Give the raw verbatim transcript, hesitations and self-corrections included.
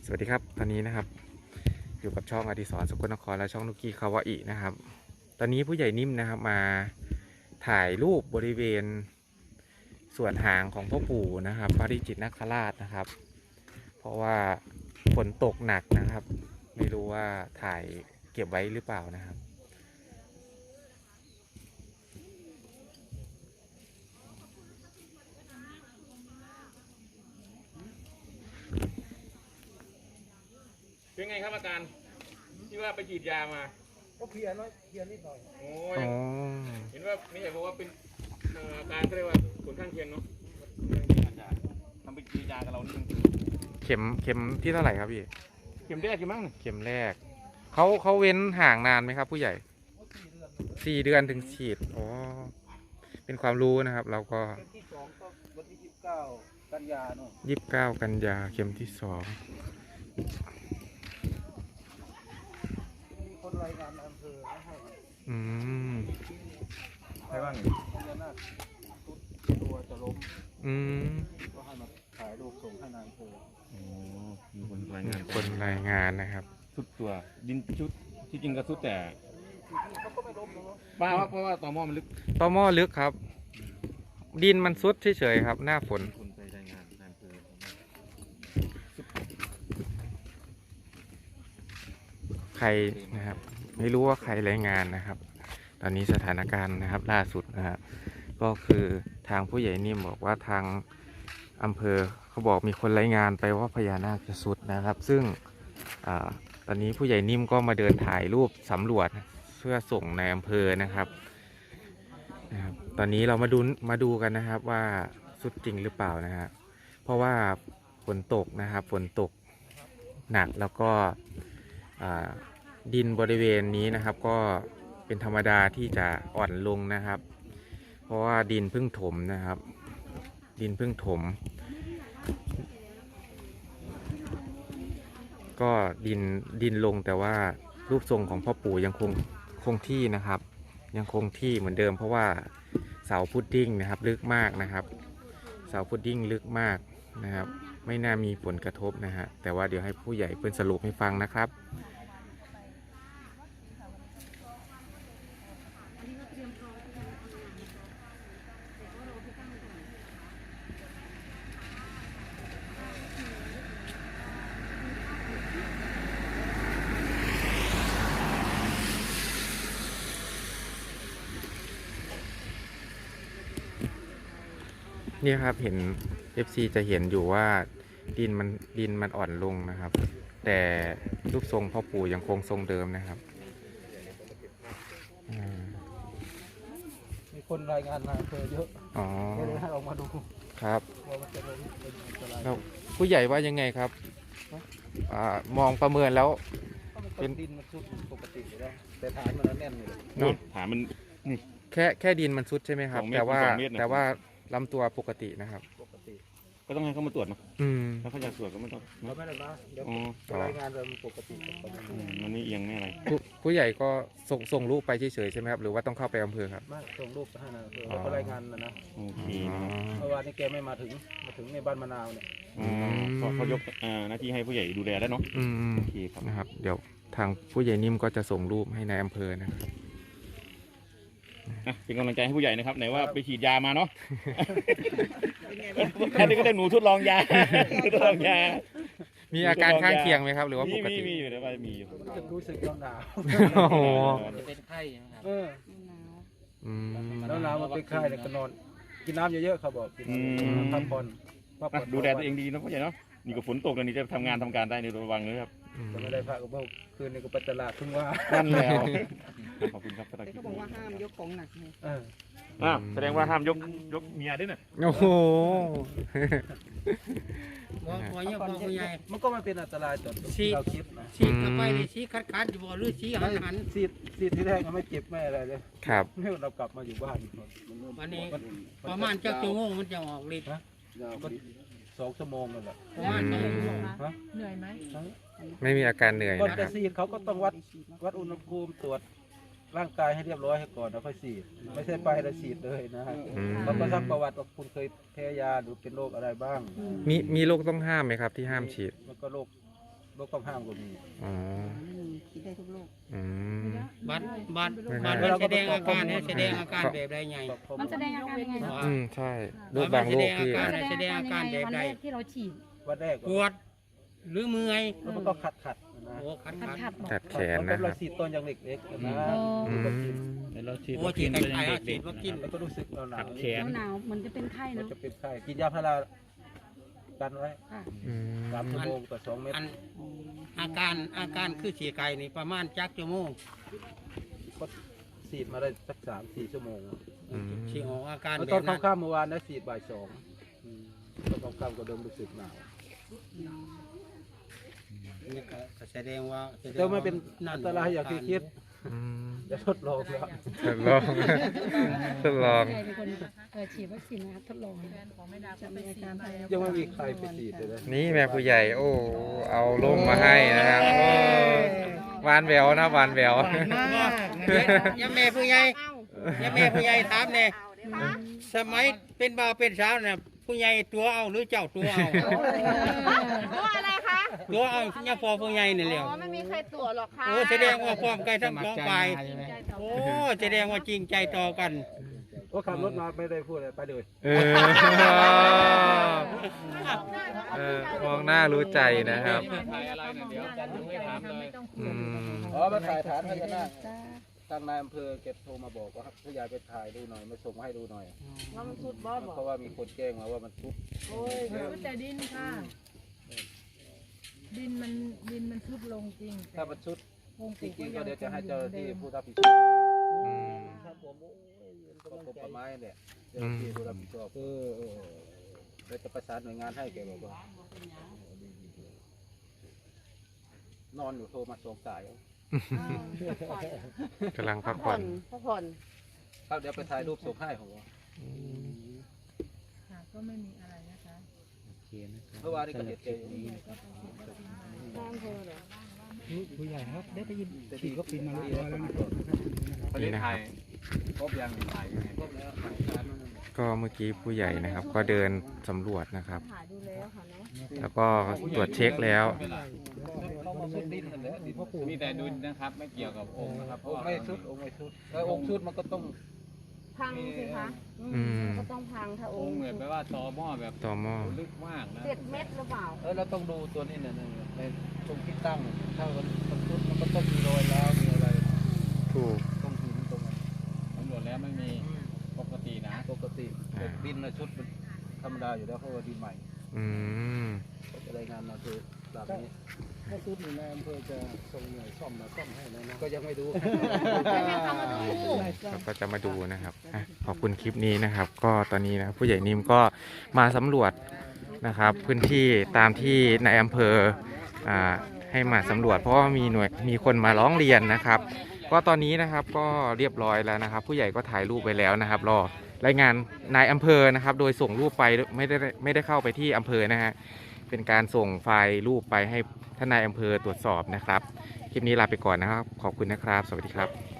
สวัสดีครับตอนนี้นะครับอยู่กับช่องอดิศรสกลนครและช่องนุกกี้คาวาอินะครับตอนนี้ผู้ใหญ่นิ่มนะครับมาถ่ายรูปบริเวณส่วนหางของพ่อปู่นะครับปาริจิตนาคราชนะครับ เพราะว่าฝนตกหนักนะครับไม่รู้ว่าถ่ายเก็บไว้หรือเปล่านะครับเป็นไงครับอาการที่ว่าไปฉีดยามาก็เพลียน้อยเพลียนิดหน่อยโอ้ยอ๋อเห็นว่าไม่ใช่บอกว่าเป็นเอ่ออาการเขาเรียกว่าผลข้างเคียงเนาะทำไปฉีดยากับเรานี่เข็มเข็มที่เท่าไหร่ครับพี่เข็มแรกใช่มั้งเข็มแรกเขาเขาเว้นห่างนานไหมครับผู้ใหญ่สี่เดือนถึงฉีดอ๋อเป็นความรู้นะครับ เราก็เข็มที่สองก็วันที่ยี่สิบเก้ากันยาเนาะยี่สิบเก้ากันยาเข็มที่สองมีคนรายงานในอำเภอให้อืมใช่บ้างพญานาคตัวจะล้มอืมก็ให้มาถ่ายรูปส่งให้นายอำเภอโอ้มีคนรายงานคนรายงานนะครับสุดตัวดินชุดที่จริงก็สุดแต่เขาก็ไม่ล้มหรอกป้าว่าเพราะว่าต่อหม้อมันลึกต่อหม้อลึกครับ ดินมันซุดเฉยๆครับ หน้าฝนคนไปรายงานในอำเภอใครนะครับ ไม่รู้ว่าใครรายงานนะครับ ตอนนี้สถานการณ์นะครับ ล่าสุดนะครับก็คือทางผู้ใหญ่นิ่มบอกว่าทางอำเภอเขาบอกมีคนรายงานไปว่าพญานาคจะสุดนะครับ ซึ่งอาตอนนี้ผู้ใหญ่นิ่มก็มาเดินถ่ายรูปสำรวจเพื่อส่งในอำเภอนะครับนะครับ ตอนนี้เรามาดูมาดูกันนะครับว่าสุดจริงหรือเปล่านะครับเพราะว่าฝนตกนะครับฝนตกหนักแล้วก็ดินบริเวณนี้นะครับก็เป็นธรรมดาที่จะอ่อนลงนะครับ เพราะว่าดินเพิ่งถมนะครับ ดินเพิ่งถม ก็ดินดินลงแต่ว่ารูปทรงของพ่อปู่ยังคงคงที่นะครับ ยังคงที่เหมือนเดิม เพราะว่าเสาพุดดิ้งนะครับลึกมากนะครับ เสาพุดดิ้งลึกมากนะครับ ไม่น่ามีผลกระทบนะฮะแต่ว่าเดี๋ยวให้ผู้ใหญ่เพิ่นสรุปให้ฟังนะครับนี่ครับเห็น เอฟ ซี จะเห็นอยู่ว่าดินมันดินมันอ่อนลงนะครับ แต่รูปทรงพ่อปู่ยังคงทรงเดิมนะครับมีคนรายงานในอำเภอเยอะอ๋อก็เลยให้ออกมาดูครับว่ามันจะล้มเป็นอันตรายแล้วผู้ใหญ่ว่ายังไงครับอ่ามองประเมินแล้วก็มันก็ดินมันซุดปกติอยู่แล้วแต่ฐานมันแน่นอยู่เลยนู่นถามมันแค่แค่ดินมันซุดใช่ไหมครับสองเมตรแต่ว่าสองเมตรนะแต่ว่าลำตัวปกตินะครับปกติก็ต้องให้เขามาตรวจเนาะอืมถ้าเขาอยากตรวจก็ไม่ต้องเราไม่ได้มาเดี๋ยวอ๋อจะรายงานเรามันปกติประมาณอืนี้มมันไม่เอียงไม่อะไรผู้ผู้ใหญ่ก็ส่งส่งรูปไปเฉยๆใช่ไหมครับหรือว่าต้องเข้าไปอำเภอครับไม่ส่งรูปไปให้นายอำเภอแล้วก็รายงานนะนะโอเคอ๋อนะครับเมื่อวานนี้แกไม่มาถึงมาถึงในบ้านมะนาวเนี่ยอ๋อเขาเขายกอ่าหน้าที่ให้ผู้ใหญ่ดูแลแล้วเนาะอืมโอเคครับนะครับ เดี๋ยวทางผู้ใหญ่นิ่มก็จะส่งรูปให้ในอำเภอนะครับอ่ะเป็นกำลังใจให้ผู้ใหญ่นะครับไหนว่าไปฉีดยามาเนาะแค่นี้ก็ได้หนูทดลองยาทดลองยามีอาการข้างเคียงไหมครับ หรือว่าปมีกมีติมีอยู่แต่ว่ามีอยู่รู้สึกรู้สึกหนาวโอ้โหเป็นไข้นะครับเอออืมแล้วหนาวมันเป็นไข้เนี่ยก็นอนกินน้ำเยอะๆเขาบอกกินน้ำพักผ่อนพักผ่อ่ะอนดูแลตัวเองดีนะผู้ใหญ่เนาะนี่ก็ฝนตกแล้วนี่จะทำงานทำการได้ในระวังเลยครับจะไม่ได้พักกับเมื่อคืนนี้ก็ไปตลาดเพิ่งว่านั่นแล้วขอบคุณครับสำหรับแต่คลิเขาปบอกนี้ว่าห้ามยกของหนักเลยเอออ้าวแสดงว่าห้ามยกยกเมียด้วยน่ะโอ้โหบอกว่าเนี่ยบอกว่าใหญ่มันก็ไม่เป็นอันตรายต่อฉีดเราคิดนะชี้กลับไปเลยชี้คัดคัดอยู่บ่หรือชี้หันหันซีดซีดที่แรกก็ไม่เจ็บไม่อะไรเลยครับเนี่ยเรากลับมาอยู่บ้านวันนี้ประมาณจักชั่วโมงมันจะออกฤทธิ์ก็สองชั่วโมงนั่นแหละประมาณสองชั่วโมงฮะเหนื่อยไหมไม่มีอาการเหนื่อยก่อนนะคจะรับซีดเขาก็ต้องวัดวัดอุณหภูมิตรวจร่างกายให้เรียบร้อยให้ก่อนแล้วค่อยฉีดไม่ใช่ไปแล้วฉีดเลยนะฮะอืมเขาก็ซักประวัติว่าคุณเคยแพ้ยาหรือเป็นโรคอะไรบ้างมีมีโรคต้องห้ามไหมครับที่ห้ามฉีดมันก็โรคโรคกำห้ามก็มีอ๋อคิดได้ทุกโรคอืมบัตรบัตรไม่ได้บัตรมันแสดงอาการเนี่ยแสดงอาการแบบใดไงมันแสดงอาการยังไงว่าอืมใช่โรคบางโรคที่อ่าแสดงอาการยังไงวันแรกที่เราฉีดวันแรกปวดหรือเมื่อยแล้วมันก็ขัดขัดๆนะโอ้ขัดขัดขัดขัดบอกกัดแขนมันนะเป็นครรัอบ ยสีดต้นอย่างเล็กๆนะอืมเราฉีดโอ้วัคฉีซีดนไกตัวลยังๆเด็ฉีกดวัคซีนแล้วก็รู้สึกหนาวแขนหนาวๆมันจะเป็นไข้ๆมันเนาะจะเป็นไข้กินยาพารากันไว้ค่ะอืมสามชั่วโมงต่อสองเม็ดอันอาการอาการคือฉี่ไก่นี่ประมาณจักชั่วโมงก็ฉีดมาได้สักสามสี่ชั่วโมงอืมฉี่ออกอาการแล้วแบตอนบนั้นค่ำๆเมื่อวานนะฉีดบ่ายสองอืมตอนค่ำๆก็เริ่มรู้สึกหนาวนี่ก็แสดงว่าแสดงแต่ว่าไม่เป็นอันตรายอย่างที่คิดอืมจะทดลองแล้วทดลอง ทดลองใครเป็นคนเอ่อฉีดวัคซีนนะครับทดลองจะมีอาการภายในยังไม่มีใครไปฉีดเลยนะนี่แม่ผู้ใหญ่ โอ้ เอาล่มมาให้นะครับโอ้หวานแหววนะหวานแหววยาแม่ผู้ใหญ่ยาแม่ผู้ใหญ่ถามเนี่ยสมัยเป็นบ่าวเป็นสาวเนี่ยผู้ใหญ่ตัวเอาหรือเจ้าตัวเอาตัวอะไรคะตัวเอาย่าพอผู้ใหญ่นี่แหละอ๋อไม่มีใครตัวหรอกค่ะโอ้แสดงว่าความไกลทั้งสองฝ่ายโอ้แสดงว่าจริงใจต่อกันก็ขับรถมาไม่ได้พูดอะไรไปเลยเออเออมองหน้ารู้ใจนะครับถ่ายอะไรเนี่ยเดี๋ยวดูให้ถามเลยอืมอ๋อมาถ่ายฐานพญานาคทางนายอำเภอเก็บโทรมาบอกว่าผู้ใหญ่ไปถ่ายดูหน่อยมาส่งมาให้ดูหน่อยว่ามันชุดบอสบอกเพราะว่ามีคนแจ้งมาว่ามันทุบโอ้ยก็แต่ดินค่ะ ดินมันดินมันทุบลงจริงถ้ามันชุดวงจริงๆก็เดี๋ยวจะให้เจ้าหน้าที่ผู้รับผิดชอบอืมก็กรมป่าไม้เนี่ยเจ้าหน้าที่ผู้รับผิดชอบเออเออเราจะประสานหน่วยงานให้แกบอกว่านอนอยู่โทรมาสองสายกำลังพักผ่ผ่ออน นพักผ่อนครับเดี๋ยวไปถ่ายรูปส่งให้ผมว่าค่ะก็ไม่มีอะไรนะคะเมื่อวานนี้ก็เห็นเจอย่างนี้น้ำเพอเหรอผู้ใหญ่ครับได้ไปยินฉีดวัคซีนมาเรียบร้อยแล้วนะประเด็นถ่ายครบยังถ่ายยังไงครบแล้วถ่ายฐานมันนั่นก็เมื่อกี้ผู้ใหญ่นะครับ ก็เดินสำรวจนะครับถ่ายดูแล้วค่ะเนาะแล้วก็ตรวจเช็คแล้วเขามาชุดดินนั่นแหละดินพ่อปู่มีแต่ดุลนะครับไม่เกี่ยวกับองค์นะครับเพอราะงค์ว่าไม่ชุดองค์ไม่ชุดแล้วองค์ชุดมันก็ต้องพังสิคะอืมก็ต้องพังถ้าออง งค์ค์เหมือนแปลว่าตอหม้อแบบต่อหม้อลึกมากนะเจ็ดเม็ดหรือเปล่าเออเราต้องดูตัวนี้เนี่ยในตรงที่ตั้งถ้ามันมันชุดมันก็ต้องมีรอยร้าวมีอะไรถูกตรงหินตรงนั้นตำรวจแล้วไม่มีปกตินะปกติแต่ดินนะชุดมันธรรมดาอยู่แล้วเพราะว่าดินใหม่อืมก็จะรายงานมาคือแบบนี้ถ้าชุดหนึ่งนายอำเภอจะส่งหน่วยซ่อมมาซ่อมให้แล้วนะก็ยังไม่ดูเราก็จะมาดูนะครับอ่ะขอบคุณคลิปนี้นะครับ ก็ตอนนี้นะครับผู้ใหญ่นิ่มก็มาสำรวจนะครับ พื้นที่ตามที่นายอำเภออ่าให้มาสำรวจ เพราะว่ามีหน่วยมีคนมาร้องเรียนนะครับ ก็ตอนนี้นะครับก็เรียบร้อยแล้วนะครับ ผู้ใหญ่ก็ถ่ายรูปไปแล้วนะครับรอรายงานนายอำเภอนะครับ โดยส่งรูปไปไม่ได้ไม่ได้เข้าไปที่อำเภอนะฮะเป็นการส่งไฟล์รูปไปให้ท่านนายอำเภอตรวจสอบนะครับ คลิปนี้ลาไปก่อนนะครับ ขอบคุณนะครับ สวัสดีครับ